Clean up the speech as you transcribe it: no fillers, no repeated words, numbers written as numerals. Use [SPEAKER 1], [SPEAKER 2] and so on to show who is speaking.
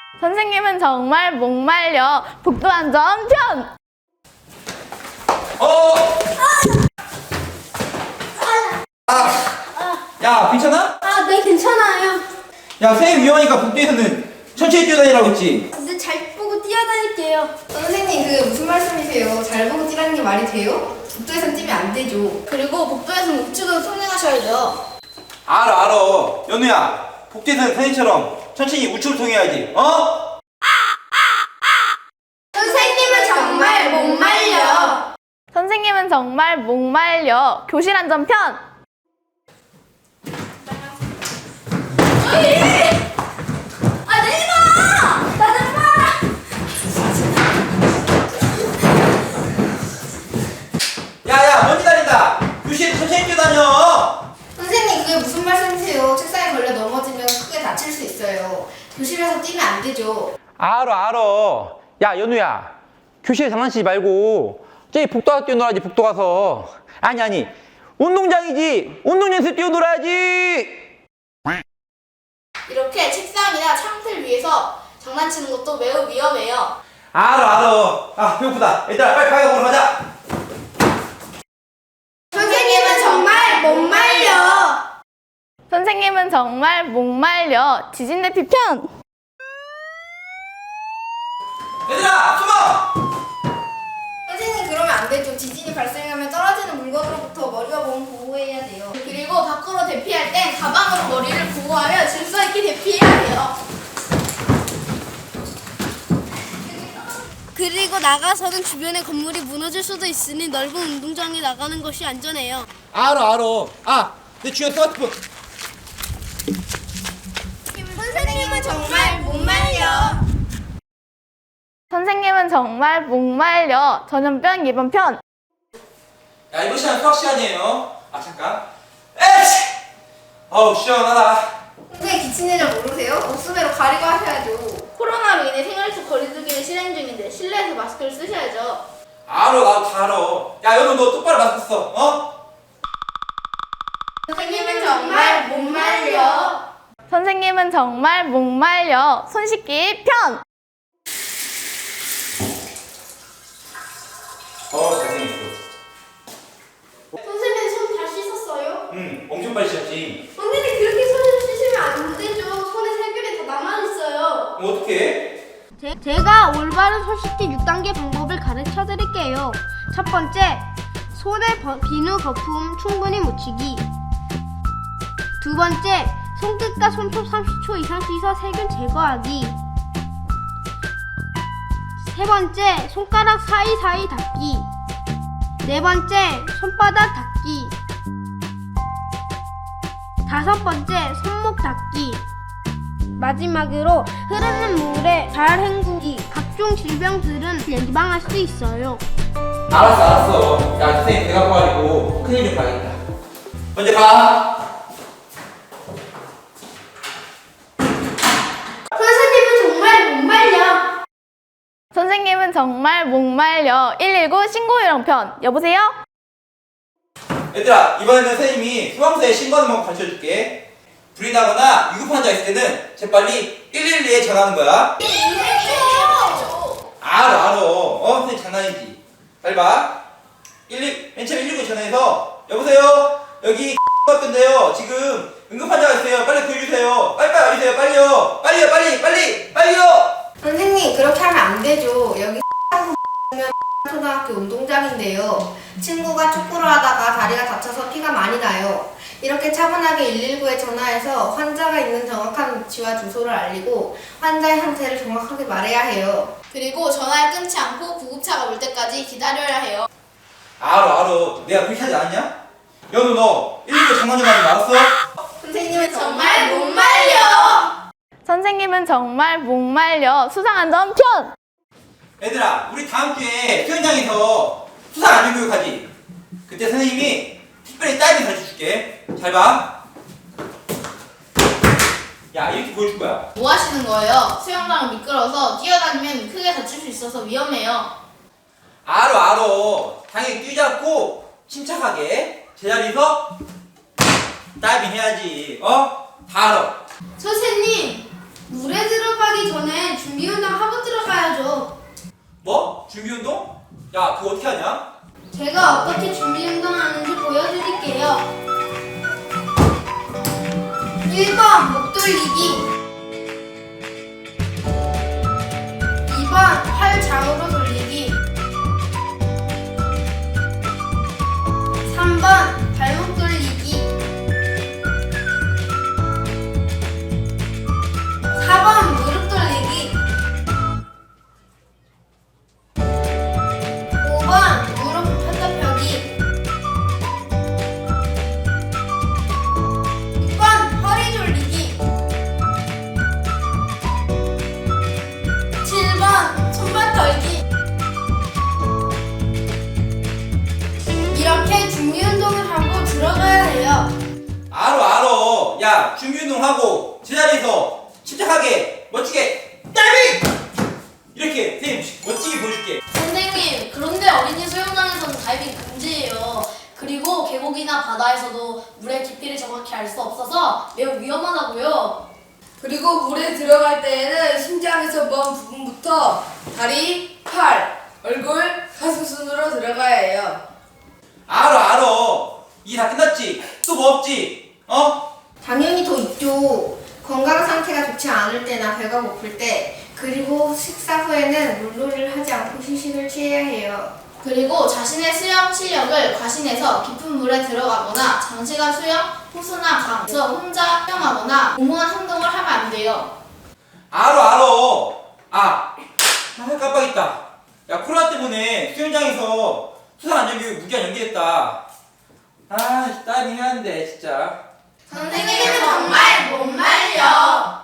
[SPEAKER 1] 선생님은 정말 목말려 복도안전 편!
[SPEAKER 2] 야, 괜찮아?
[SPEAKER 3] 네, 괜찮아요.
[SPEAKER 2] 야, 선생님 위험하니까 복도에서는 천천히 뛰어다니라고 했지.
[SPEAKER 3] 근데 잘 보고 뛰어다닐게요.
[SPEAKER 4] 선생님 그게 무슨 말씀이세요? 잘 보고 뛰라는 게 말이 돼요? 복도에선 뛰면 안 되죠.
[SPEAKER 3] 그리고 복도에서는 우측으로 통행하셔야죠.
[SPEAKER 2] 알아. 연우야, 복도에서는 선생님처럼 천천히 우측을 통해야지. 어?
[SPEAKER 3] 선생님은 정말 목말려.
[SPEAKER 1] 선생님은 정말 목말려 교실 안전 편!
[SPEAKER 3] 내지 마! 나는 봐!
[SPEAKER 2] 야, 먼지 다닌다. 교실에 천천히 뛰어다녀.
[SPEAKER 4] 선생님 그게 무슨 말씀이세요? 책상에 걸려 넘어지면 크게 다칠 수 있어요. 교실에서 뛰면 안 되죠.
[SPEAKER 2] 알아. 야, 연우야, 교실에 장난치지 말고 저기 복도 가서 뛰어놀아야지. 복도 가서. 아니, 운동장이지. 운동장에서 뛰어놀아야지.
[SPEAKER 3] 이렇게 책상이나 창틀 위에서 장난치는 것도 매우 위험해요.
[SPEAKER 2] 알아. 아, 배고프다. 얘들아, 빨리 가게 먹으러 가자.
[SPEAKER 3] 선생님은 정말 목말려.
[SPEAKER 1] 선생님은 정말 목말려 지진 대피 편!
[SPEAKER 2] 얘들아, 숨어.
[SPEAKER 4] 선생님 그러면 안 되죠. 지진이 발생하면 떨어지는 물건으로부터 머리가 몸을 보호해야 돼요.
[SPEAKER 3] 그리고 밖으로 대피할 땐 가방으로 머리를 보호하며 질서 있게 대피해야 해요. 그리고 나가서는 주변의 건물이 무너질 수도 있으니 넓은 운동장에 나가는 것이 안전해요.
[SPEAKER 2] 알아. 아, 내 중요한 스마트폰.
[SPEAKER 3] 선생님은 정말 목말려.
[SPEAKER 1] 선생님은 정말 목말려 전염병 예방 편!
[SPEAKER 2] 야, 이번 시간 수학 시간이에요. 아, 잠깐. 에이씨! 어우, 시원하다.
[SPEAKER 4] 선생님 기침 예절 모르세요? 옷수매로 가리고 하셔야죠.
[SPEAKER 3] 코로나로 인해 생활 속 거리두기는 실행 중인데 실내에서 마스크를 쓰셔야죠.
[SPEAKER 2] 알아, 나도 다 알아. 야, 연우, 너 똑바로 마스크 써. 어?
[SPEAKER 3] 선생님은 정말 목말려.
[SPEAKER 1] 선생님은 정말 목말려 손 씻기 편!
[SPEAKER 2] 잘생겼어.
[SPEAKER 3] 선생님 손 다 씻었어요?
[SPEAKER 2] 응, 엄청 빨리 씻었지.
[SPEAKER 3] 선생님 그렇게 손을 씻으면 안 되죠. 손에 세균이 다 남아있어요.
[SPEAKER 2] 그럼 어떡해?
[SPEAKER 5] 제가 올바른 손 씻기 6단계 방법을 가르쳐 드릴게요. 첫 번째, 손에 비누 거품 충분히 묻히기. 두 번째, 손끝과 손톱 30초 이상 씻어 세균 제거하기. 세 번째, 손가락 사이사이 닦기. 네 번째, 손바닥 닦기. 다섯 번째, 손목 닦기. 마지막으로 흐르는 물에 잘 헹구기. 각종 질병들은 예방할 수 있어요.
[SPEAKER 2] 알았어. 야, 선생님 배가 고파가지고 큰일 좀 봐야겠다. 먼저 가.
[SPEAKER 3] 선생님은 정말 목말려.
[SPEAKER 1] 선생님은 정말 목말려 119 신고 요령 편! 여보세요?
[SPEAKER 2] 얘들아, 이번에는 선생님이 소방서에 신고하는 방법 가르쳐줄게. 불이 나거나 위급 환자 있을 때는 재빨리 112에 전화하는 거야. 알아. 선생님 장난이지. 잘 봐. 맨 처음에 119에 전화해서 여보세요? 여기 같은데요. 지금 응급 환자가 있어요. 빨리 구해주세요. 빨리 와주세요. 빨리요.
[SPEAKER 4] 선생님 그렇게 하면 안 되죠. 여기 초등학교 운동장인데요. 친구가 축구를 하다가 다리가 다쳐서 피가 많이 나요. 이렇게 차분하게 119에 전화해서 환자가 있는 정확한 위치와 주소를 알리고 환자의 상태를 정확하게 말해야 해요.
[SPEAKER 3] 그리고 전화를 끊지 않고 구급차가 올 때까지 기다려야 해요.
[SPEAKER 2] 알아. 내가 그렇게 하지 않았냐? 연우, 너 119 전화 좀 하지 말았어?
[SPEAKER 4] 선생님은
[SPEAKER 3] 정말 목말려.
[SPEAKER 1] 선생님은 정말 목말려 수상안전 편!
[SPEAKER 2] 얘들아, 우리 다음 주에 수영장에서 수상 안전교육 하지? 그때 선생님이 특별히 다이빙 가르쳐줄게. 잘 봐. 야, 이렇게 보여줄 거야.
[SPEAKER 3] 뭐 하시는 거예요? 수영장은 미끄러워서 뛰어다니면 크게 다칠 수 있어서 위험해요.
[SPEAKER 2] 알아. 당연히 뛰지 않고 침착하게 제자리에서 다이빙 해야지. 다 알아.
[SPEAKER 3] 선생님, 물에 들어가기 전에 준비운동 하고 들어가야죠.
[SPEAKER 2] 뭐? 준비운동? 야, 그거 어떻게 하냐?
[SPEAKER 3] 제가 어떻게 준비운동하는지 보여드릴게요. 1번 목 돌리기, 2번 팔 좌우로 돌리기, 3번 발목 돌리기, 4번 무릎 돌리기, 5번 무릎 펴다 펴기, 6번 허리 돌리기, 7번 손발 털기. 이렇게 준비 운동을 하고 들어가야 해요.
[SPEAKER 2] 알어. 야, 준비운동하고 제자리에서 침착하게 멋지게 다이빙! 이렇게 선생님 멋지게 보여줄게.
[SPEAKER 6] 선생님, 그런데 어린이 수영장에서는 다이빙 금지예요. 그리고 계곡이나 바다에서도 물의 깊이를 정확히 알 수 없어서 매우 위험하다고요.
[SPEAKER 7] 그리고 물에 들어갈 때에는 심장에서 먼 부분부터 다리, 팔, 얼굴, 가슴 순으로 들어가야 해요.
[SPEAKER 2] 알어. 이게 다 끝났지? 또 뭐 없지? 어?
[SPEAKER 4] 당연히 더 있죠. 건강 상태가 좋지 않을 때나 배가 고플 때, 그리고 식사 후에는 물놀이를 하지 않고 휴식을 취해야 해요.
[SPEAKER 1] 그리고 자신의 수영 실력을 과신해서 깊은 물에 들어가거나 장시간 수영, 호수나 강에서 혼자 수영하거나 무모한 행동을 하면 안 돼요.
[SPEAKER 2] 알어. 깜빡했다. 야, 코로나 때문에 수영장에서 수상 안전교육 무기한 연기했다. 다이빙 해야 하는데 진짜.
[SPEAKER 1] 선생님은 정말 못 말려.